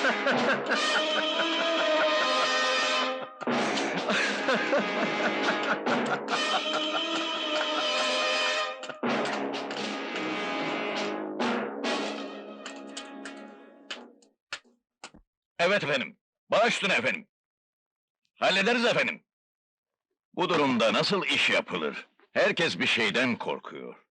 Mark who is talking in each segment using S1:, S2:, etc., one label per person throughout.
S1: Evet efendim, baş üstüne efendim. Hallederiz efendim. Bu durumda nasıl iş yapılır? Herkes bir şeyden korkuyor.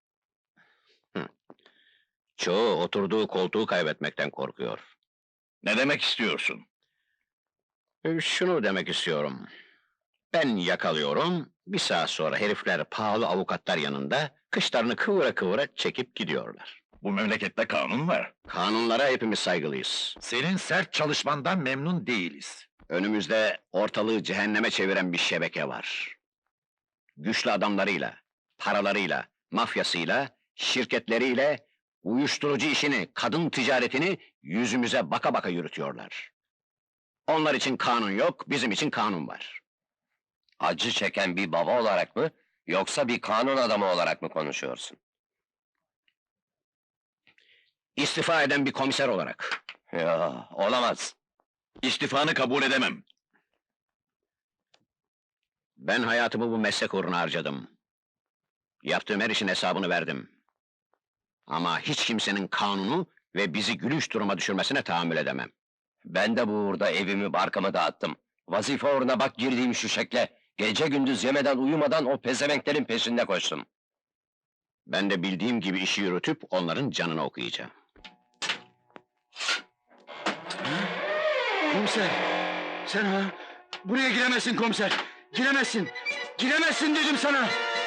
S2: Çoğu oturduğu koltuğu kaybetmekten korkuyor.
S1: Ne demek istiyorsun?
S2: Şunu demek istiyorum. Ben yakalıyorum, bir saat sonra herifler pahalı avukatlar yanında kışlarını kıvıra kıvıra çekip gidiyorlar.
S1: Bu memlekette kanun var.
S2: Kanunlara hepimiz saygılıyız.
S3: Senin sert çalışmandan memnun değiliz.
S2: Önümüzde ortalığı cehenneme çeviren bir şebeke var. Güçlü adamlarıyla, paralarıyla, mafyasıyla, şirketleriyle uyuşturucu işini, kadın ticaretini yüzümüze baka baka yürütüyorlar. Onlar için kanun yok, bizim için kanun var.
S4: Acı çeken bir baba olarak mı, yoksa bir kanun adamı olarak mı konuşuyorsun?
S2: İstifa eden bir komiser olarak.
S4: Ya, olamaz.
S1: İstifanı kabul edemem.
S2: Ben hayatımı bu meslek uğruna harcadım. Yaptığım her işin hesabını verdim. Ama hiç kimsenin kanunu ve bizi gülünç duruma düşürmesine tahammül edemem.
S4: Ben de bu uğurda evimi barkımı dağıttım. Vazife uğruna bak girdiğim şu şekle. Gece gündüz yemeden uyumadan o pezevenklerin peşinde koştum.
S2: Ben de bildiğim gibi işi yürütüp onların canını okuyacağım.
S3: Komiser, sen ha? Buraya giremezsin komiser! Giremezsin! Giremezsin dedim sana!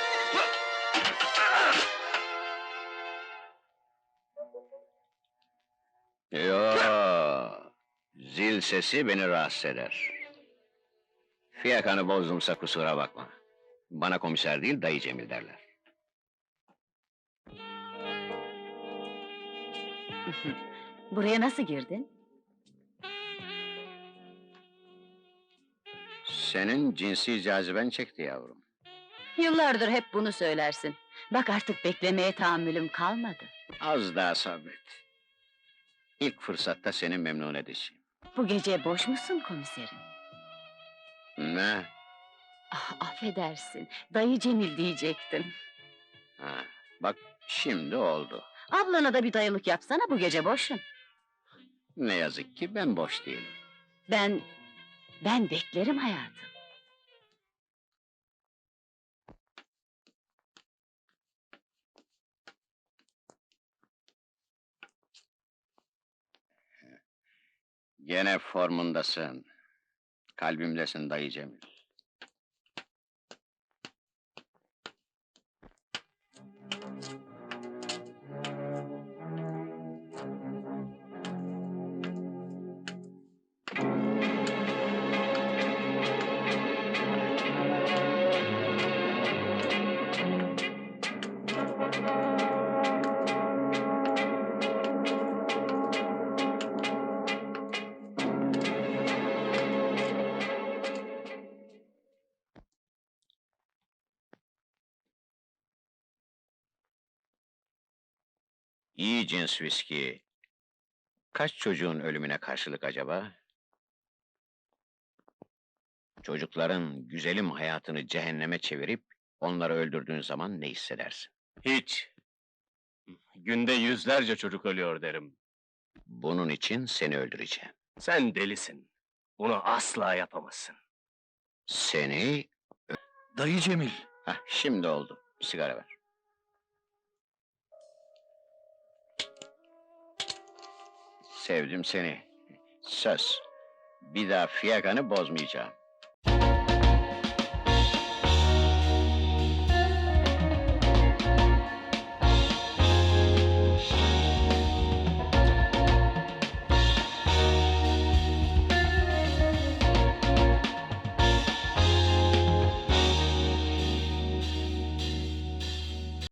S2: Yo, zil sesi beni rahatsız eder. Fiyakanı bozdumsa kusura bakma. Bana komiser değil, dayı Cemil derler.
S5: Buraya nasıl girdin?
S2: Senin cinsi caziben çekti yavrum.
S5: Yıllardır hep bunu söylersin. Bak artık beklemeye tahammülüm kalmadı.
S2: Az daha sabret. İlk fırsatta seni memnun edeceğim.
S5: Bu gece boş musun komiserim?
S2: Ne?
S5: Ah, affedersin, dayı Cemil diyecektim.
S2: Ha, bak şimdi oldu.
S5: Ablana da bir dayılık yapsana, bu gece boşum.
S2: Ne yazık ki ben boş değilim.
S5: Ben beklerim hayatım.
S2: Gene formundasın. Kalbimdesin dayı Cemil. İyi cins viski. Kaç çocuğun ölümüne karşılık acaba? Çocukların güzelim hayatını cehenneme çevirip onları öldürdüğün zaman ne hissedersin?
S4: Hiç. Günde yüzlerce çocuk ölüyor derim.
S2: Bunun için seni öldüreceğim.
S4: Sen delisin. Bunu asla yapamazsın.
S2: Seni...
S3: Dayı Cemil!
S2: Hah, şimdi oldu. Bir sigara ver. Sevdim seni. Söz. Bir daha fiyakanı bozmayacağım.